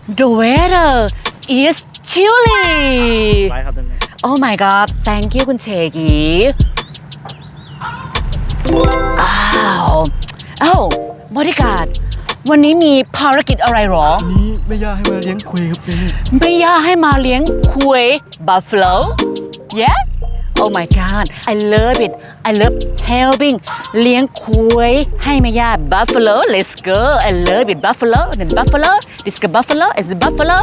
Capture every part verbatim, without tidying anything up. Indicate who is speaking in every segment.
Speaker 1: The weather is chilly
Speaker 2: ไปครับท่านแม่
Speaker 1: Oh my god thank you คุณเชกีอ้าวอ้าวบริการวันนี้มีภารกิจอะไรหรอ
Speaker 2: นี่แม่ย่าให้มาเลี้ยงคุยครับนี่
Speaker 1: ไม่ย่าให้มาเลี้ยงคุย buffalo yeah oh my god I love it I love helping เลี้ยงคุยให้แม่ย่า buffalo let's go I love it buffalo and buffalo this is buffalo is buffalo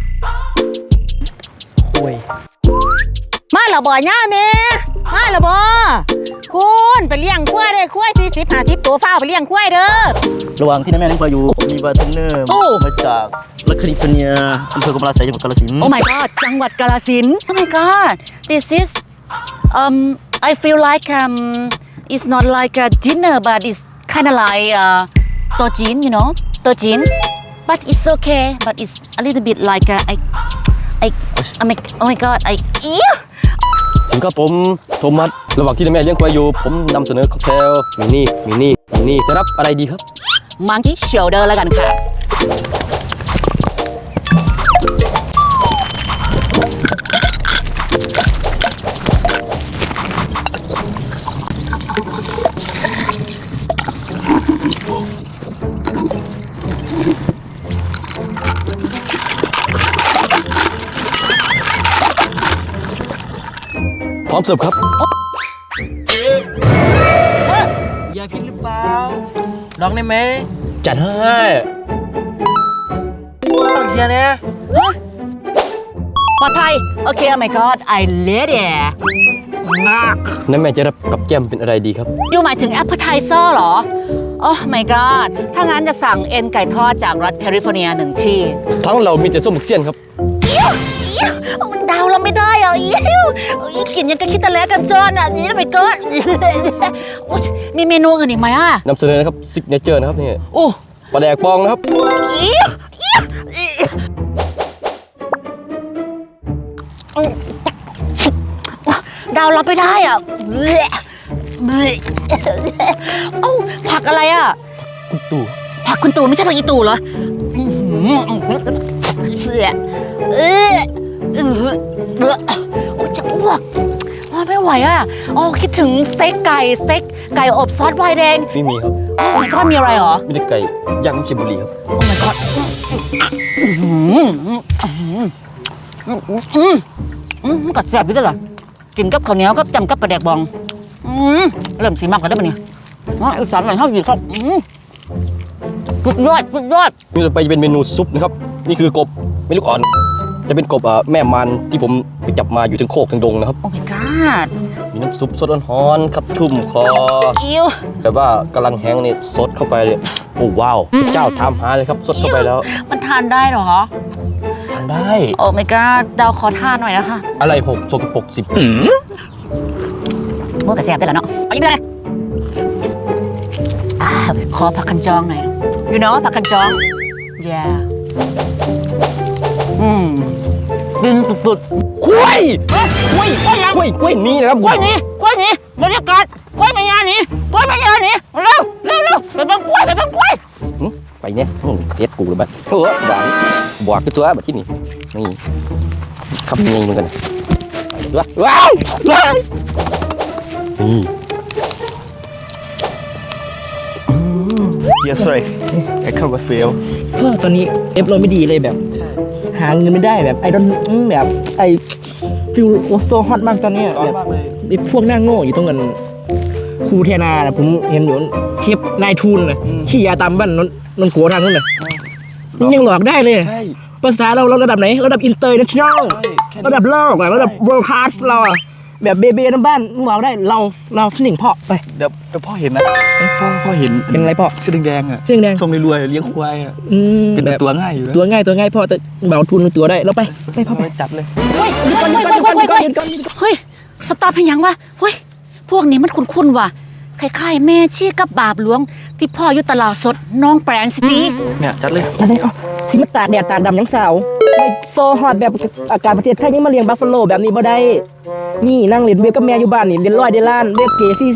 Speaker 2: คุย
Speaker 3: มาและบ่ย่าแม่มาและบ่คุณไปเลี้ยงควายเด้อควายสี่สิบห้าสิบตัวฟ้าไปเลี้ยงควายเด้อ
Speaker 2: ระหว่างที่น้าแม่เลี้ยงควายอยู่ผมมีบาร์เทนเนอร์มาจากรัฐแคลิฟอร์เนียอำเภอกำมะลาไสจังหวัดกาฬสินธุ์
Speaker 1: Oh my god จังหวัดกาฬสินธุ์ Oh my god this is um I feel like um it's not like a dinner but it's kind of like uh โต๊ะจีน you know โต๊ะจีน but it's okay but it's a little bit like a, I I oh my oh my god I ew
Speaker 4: สวัสดีครับผมโทมัสระหว่างที่แม่เลี้ยงควายอยู่ผมนำเสนอค็อกเทลมีนี่มีนี่มีนี่จะรับอะไรดีครับ
Speaker 1: monkey shoulder แล้วกันค่ะ
Speaker 4: พร้อมเสิร์ฟครับ
Speaker 2: ยาพิษหรือเปล่าลองได้ไหม
Speaker 4: จัดให้
Speaker 2: ต้องเชียร์เนี่ย
Speaker 1: ปลอดภัยโอเค oh my god I let it
Speaker 4: นั่นแม่จะรับกับแก้มเป็นอะไรดีครับ
Speaker 1: ยูหมายถึง appetizer เหรอ Oh my god ถ้างั้นจะสั่งเอ็นไก่ทอดจากรัฐแคลิฟอร์เนียหนึ่งที่
Speaker 4: ทั้งเรามีแต่ส้มหมึกเสี้ยนครับ
Speaker 1: มันเดาเราไม่ได้อ่ะอิ๊วกินยังกับคิดตะแลกันจอนอ่ะนี่ไม่เกิดมีเมนูอื่นอีกไหมอ่ะ
Speaker 4: นำเสนอนะครับซิกเนเจอร์นะครับนี่
Speaker 1: โอ้
Speaker 4: ปลาแดกปองนะครับ
Speaker 1: อิ๊วอิ๊วเดาเราไม่ได้อ่ะเอ้าผักอะไรอ่ะ
Speaker 4: กุ๊ตู่
Speaker 1: ผักคุณตู่ไม่ใช่ผักอีตู่เหรอเออเออเออเออโอ้จะอ้วกว่าไม่ไหวอ่ะอ๋อคิดถึงสเต็กไก่สเต็กไก่อบซอสไวน์แดง
Speaker 4: ไม่มีครับ
Speaker 1: โอ้มันก็มีอะไรเหรอ
Speaker 4: มีแต่ไก่ย่างลูกชิ้นบุรีครับ
Speaker 1: โอ้ my god อืมอืมอืมกัดแสบด้วยเหรอกินกับข้าวเหนียวกับจำกับปลาแดกบองอืมเริ่มสีมากกันได้ปะเนี่ยอ๋ออีสานหน่อยเท่าอยู่ครับอืมสุดยอดสุดยอด
Speaker 4: นี่ต่อไปจะเป็นเมนูซุปนะครับนี่คือกบไม่ลูกอ่อน จะเป็นกบอ่ะแม่มันที่ผมไปจับมาอยู่ถึงโคกถึงดงนะครับ
Speaker 1: โอ้ my god
Speaker 4: มีน้ำซุปสดร้อนๆครับชุ่มคอ
Speaker 1: อิ๊ว
Speaker 4: แต่ว่ากำลังแห้งนี่สดเข้าไปเลยโอ้ว้าวเจ้าทำหาเลยครับสดเข้าไปแล้ว
Speaker 1: มันทานได้เหรอ
Speaker 4: ทานได้
Speaker 1: โอ้ my god ดาวขอทานหน่อยนะคะ
Speaker 4: อะไรหกโซกปรกสิบ
Speaker 1: มือกระแสบได้แล้วเนาะเอาอีกเลยอ่าขอผักคันจองหน่อย you know ผักคันจอง yeah อืมดินสุด
Speaker 4: กล้วย
Speaker 1: ๆกล้วยกล้วยยัง
Speaker 4: กล้วยกล้วยนี้นะครับ
Speaker 1: กล้วยนี้กล้วยนี้บรรยากาศกล้วยไม่ยานี้กล้วยไม่ยานี้เร็วเร็วเร็วไปบังกล้วยไปบังกล้วย
Speaker 4: หึไปเนี่ยหึเสียดกูเลยบ้าโอ้หวานบวกคือตัวแบบที่นี่นี่ขับยังไงเหมือนกันว้าวว้าวว้าวนี่
Speaker 2: Yes sorry I come with fail
Speaker 3: เฮ้อตอนนี้เอฟเราไม่ดีเลยแบบ หาเงินไม่ได้แบบไอดอนแบบไอฟิลโอโซฮอตมากตอนเนี้ย
Speaker 2: ร้อน
Speaker 3: แบบ
Speaker 2: มากเลย
Speaker 3: ไอพวกหน้าโง่อยู่ตรงกันครูเทนาน่ะผมเห็นอยู่เทียบนายทุนนะขี้ยาตามบ้านนนนนโกทางนู้นน่ะมันยังหลอกได้เลย
Speaker 2: ใช่
Speaker 3: ภาษาเราเราระดับไหนระดับอินเตอร์เนชั่นแนล
Speaker 2: ใช่แค่นี้
Speaker 3: ระดับโลกอะระดับ world class เราอะแบบเบเบ้ทั้งบ้านมึงบอกได้เราเราสนิงพ่อไป
Speaker 2: เดี๋ยวเดี๋ยวพ่อเห็นนะเอ้ยพ่อพ่อเห็น
Speaker 3: เป็นไรพ่อ
Speaker 2: เสื้อแดงๆอ่ะ
Speaker 3: เสื้อแดง
Speaker 2: ทรงรวยๆเลี้ยงควายอ่ะ
Speaker 3: อืม
Speaker 2: เป็น
Speaker 3: แบบ
Speaker 2: ตัวง่ายอยู่นะ
Speaker 3: ตัวง่ายตัวง่ายพ่อแต่เบาทุนตัวได้เราไปไปพ่อไป
Speaker 2: จัดเลย
Speaker 1: เฮ้ยหยุดก่อนหยุดก่อนหยุดก่อนหยุดก่อนเฮ้ยสตาร์ทเป็นยังวะเฮ้ยพวกนี้มันคุ้นๆว่ะคล้ายๆแม่ชี้กับบาปหลวงที่พ่ออยู่ตลาดสดน้องแปลงสิที
Speaker 2: เนี่ยจัดเลย
Speaker 3: อะไรก็สิมาตากแดดตากดำยังสาวไม่โซฮอตแบบอากาศประเทศไทยยังมาเลี้ยงบัฟฟาโลแบบนี้บ่ได้นี่นั่งเล่นเวฟกับแม่อยู่บ้านนี่เรียนร้อยได้ล้านเวฟเก๋ซีซี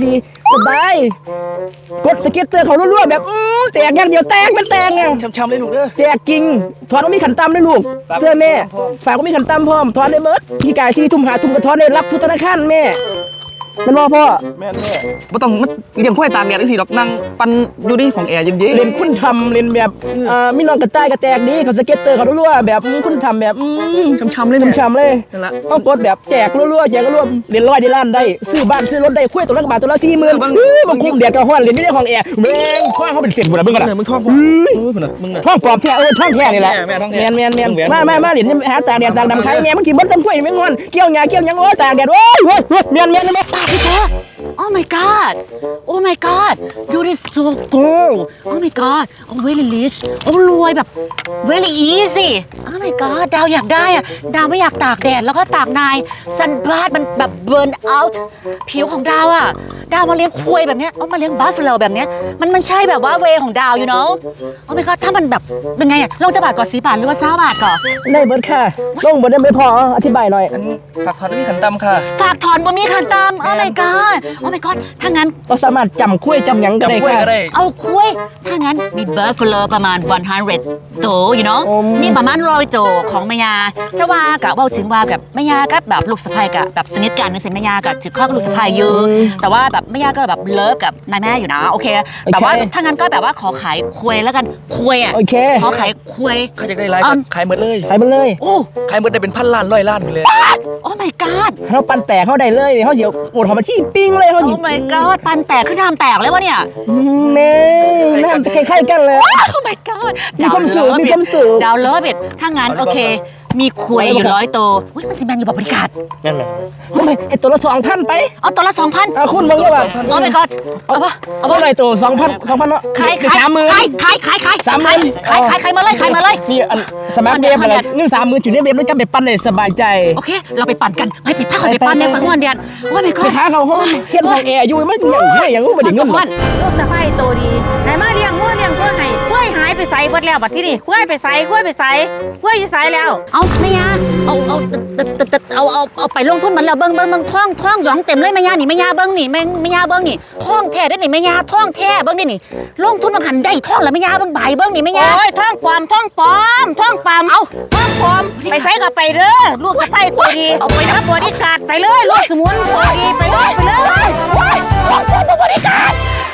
Speaker 3: สบายกดสเก็ตเตอร์เขารั่วๆแบบอื้อแตกอย่างเดียวแตกเป็นแตกไง
Speaker 2: ช้ำๆเลยลูกเด้อ
Speaker 3: แจกจริงถอนก็มีขันตำด้วยลูกเสื้อแม่ฝากก็มีขันตำพร้อมถอนได้เบิดพี่กายชี้ทุ่มหาทุ่มกระถอนได้รับทุกธนาคารแม่มันรอพ่อ
Speaker 2: แม่แม่บ่ต้องมาเลี้ยงควายตากแดดจังซี่ดอกนั่งปั่นอยู่ในของแอร์เย็นๆ
Speaker 3: เล่นคุณทำเล่นแบบอ่ามีน้องกระต่ายกระแตกดีเขาสเก็ตเตอร์เขารั่วๆแบบคุณทำแบบอืม
Speaker 2: ช้ำๆเลยแม่
Speaker 3: ช้ำๆเลย
Speaker 2: นั่นล่ะ
Speaker 3: ต้องกดแบบแจกรั่วๆแจกรั่วๆเรียนร้อยได้ล้านได้ซื้อบ้านซื้อรถได้คุยตัวละกบาทตัวละสี่หมื่นบางคุ้มเดียดกับห้อนเรียนไม่ได้ของแอร์แม่งท้องเขาเป็นเศษหมดเลยมึงกัน
Speaker 2: เออมึงท้องพ่อเออพุ่นน่ะมึงน่ะ
Speaker 3: ท้องปลอบแท้เออท้องแท้นี่แหละ
Speaker 2: แม่ท้องแท้
Speaker 3: แมนแมนแมน
Speaker 2: ท้องแหวน
Speaker 3: มามามาเหรียญหาตากแดดตากดำใครแม่มึงกินบดต้นกล้วยไม่งอนเกี่ยวหญ้าเกี่ยวหยังโอ้ตากแดดโอ้ยโอ้ยแมนแมนแมน
Speaker 1: ตาสิเธอ Oh my god Oh my god you is so cool Oh my god Oh very rich โอ้รวยแบบ very easy Oh my god ดาวอยากได้อะดาวไม่อยากตากแดดแล้วก็ตากนายซันบาดมันแบบ burn out ผิวของดาวอะดาวมาเลี้ยงควายแบบเนี้ยเอามาเลี้ยงบัฟเฟลแบบเนี้ยมันมันใช่แบบว่าเวของดาวอยู่เนาะ Oh my god ถ้ามันแบบเป็นไงอะลงจะบาทก่อนสีบาทหรือว่าเศร้าบาทก่อน
Speaker 3: ได้เบิดค่ะลงบดได้ไม่พออธิบายหน่อย
Speaker 2: อันนี้ฝากถอนมีขันตำค่ะ
Speaker 1: ฝากถอนบ่มีขันตาม Oh my god Oh my god ถ้างั้น
Speaker 3: เราสามารถจำคุยจำหยังก็ได้
Speaker 2: จำกล้วย
Speaker 3: ค่ะ
Speaker 2: ก็ได้
Speaker 1: เอาคุยถ้างั้นมีเบิร์ดฟลอประมาณ100โตอยู่เนาะ
Speaker 3: อืม
Speaker 1: นี่ประมาณร้อยโตของแม่ยาจะว่ากับว่าถึงว่ากับแม่ยาก็แบบลูกสะใภ้กับแบบสนิทกันในเซ็นแม่ยากับถือข้อกับลูกสะใภ้อยู่แต่ว่าแบบแม่ยาก็แบบเลิฟกับนายแม่อยู่นะโอเคแบบว่าถ้างั้นก็แบบว่าขอขายคุยแล้วกันคุยอ่ะ
Speaker 3: โอเค
Speaker 1: ขอขายคุย
Speaker 2: เขาจะได้ไลฟ์
Speaker 1: อืม
Speaker 2: ขายหมดเลย
Speaker 3: ไปมันเลย
Speaker 1: โอ้
Speaker 2: ขายหมดได้เป็นพันล้านร้อยล้านไปเลย
Speaker 1: โอ้ my god
Speaker 3: เขาปันแตกเขาได้เลยเขาเสียวโอดหอมมาที่ปิ้งเลยเขาสิ
Speaker 1: โอ้ my god ปันแตกขึ้นทำแตกเลยวะเนี่ย
Speaker 3: แม่น่าคล้ายๆกันเลย
Speaker 1: โอ้ my god
Speaker 3: มีความสุข
Speaker 1: ดาว
Speaker 3: มีความสุข
Speaker 1: ดาวเลิฟอิทถ้างั้นโอเค มีคุยอยู่ร้อยตัวอุ้ยมันสิแมนอยู่แบบบริการ
Speaker 2: นั่นแหละ
Speaker 3: ทำไมไอตัวละสองพันไป
Speaker 1: เอาตัวละสองพัน
Speaker 3: เอาคุณมึงก็แบบ
Speaker 1: โอ้ my god เอาปะเอา
Speaker 3: เอา
Speaker 1: ปะ
Speaker 3: อะไรตัวสองพันสองพันเนาะ
Speaker 1: ขาย
Speaker 3: เป็น
Speaker 1: ขาย
Speaker 3: สามหมื่น
Speaker 1: ขายขายขายขาย
Speaker 3: สามหมื่น
Speaker 1: ขายขายขายมาเลยขายมาเลย
Speaker 3: นี่อันสมาร์ท
Speaker 1: มัน
Speaker 3: เว
Speaker 1: เดี๋ยว
Speaker 3: ฟอะไร
Speaker 1: มันเดี๋ยว
Speaker 3: นี่สามหมื่นจุดนี้เวฟด้วยกันไปปั้นเลยสบายใจ
Speaker 1: โอเค เราไปปั่นกันไปไปพักไป
Speaker 3: ไป
Speaker 1: ปั่นใน
Speaker 3: ไป
Speaker 1: ฝังวันเดียนโอ้ my
Speaker 3: ไป
Speaker 1: god
Speaker 3: หาเขาห้องเทียนห้องแอร์อยู่ไม่อย่างไม่อย่างงู้ไม่ได้เงินหรอก
Speaker 5: ลูกสะใภ้โตดีไหนมาเลี้ยงงัวเลี้ยงกล้วยให้กล้วยหายไปใส่เบิดแล้วบัดที่นี่กล้วยไปใส่กล้วยไปใส่กล้วยอยู่ใส่แล้ว
Speaker 1: เอาแม่ยาเอาเอาตึ๊ดตึ๊ดตึ๊ดเอาเอาเอาไปลงทุนมันแล้วเบิ้งเบิ้งเบิ้งท่องท่องหยองเต็มเลยแม่ยานี่แม่ยาเบิ้งนี่แม่แม่ยาเบิ้งนี่ท่องแท้ได้นี่แม่ยาท่องแท้เบิ้งนี่นี่ลงทุนมาหันได้ท่องแล้วแม่ยาเบิ้งใบเบิ้งนี่แม่ยา
Speaker 5: โอ้ยท่องปลอมท่องปลอมท่องปลอม
Speaker 1: เอา
Speaker 5: ท่องปลอมไปใส่ก็ไปเด้อลูกสะใภ้โตดี
Speaker 1: เอาไปนะ
Speaker 5: รับบริการไปเลยลูกสมุนโตดีไปเลยไปเลย
Speaker 1: ว้ายท่องท่องบริการ